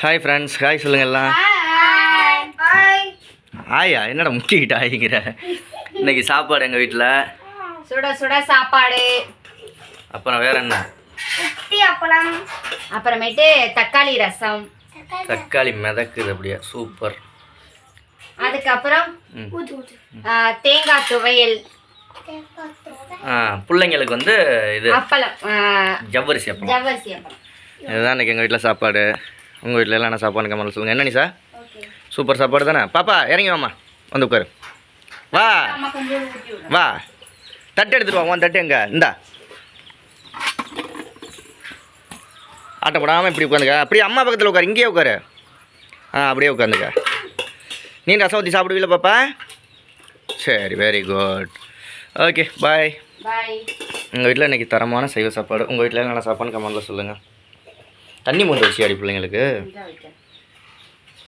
Hi friends, hi சொல்லுங்க எல்லாம். ஆயா என்னடா முக்கிக்கிட்ட ஆயிங்கிற. இன்னைக்கு சாப்பாடு எங்கள் வீட்டில் சுட சுட சாப்பாடு. அப்புறம் வேற என்ன? அப்பளம். அப்புறமேட்டு தக்காளி ரசம். தக்காளி மிதக்குது அப்படியே சூப்பர். அதுக்கப்புறம் தேங்காய் துவையல். பிள்ளைங்களுக்கு வந்து இது அப்பளம், ஜவ்வரிசி அப்பளம். ஜவ்வரிசி அப்பளம். இதுதான் இன்றைக்கி எங்கள் வீட்டில் சாப்பாடு. உங்கள் வீட்டில் எல்லாம் என்ன சாப்பாடு கமெண்ட்ல சொல்லுங்கள். என்ன நீ சார்? சூப்பர் சாப்பாடு தானே? பாப்பா இறங்கி வாம்மா, வந்து உட்காரு. வா வா, தட்டு எடுத்துட்டு வா. உன் தட்டு எங்க? இந்தா, ஆட்டப்படாமல் இப்படி உட்காந்துக்க. அப்படியே அம்மா பக்கத்தில் உட்காரு, இங்கேயே உட்காரு. அப்படியே உட்காந்துக்க. நீ ரசம் ஊற்றி சாப்பிடுவீல பாப்பா? சரி, very good. Okay, bye. Bye. எங்கள் வீட்டில் இன்றைக்கி தரமான சைவ சாப்பாடு. உங்கள் வீட்டில் என்னென்ன சாப்பாடுன்னு கமெண்ட்டில் சொல்லுங்கள். தண்ணி மூந்து வச்சு அடி பிள்ளைங்களுக்கு.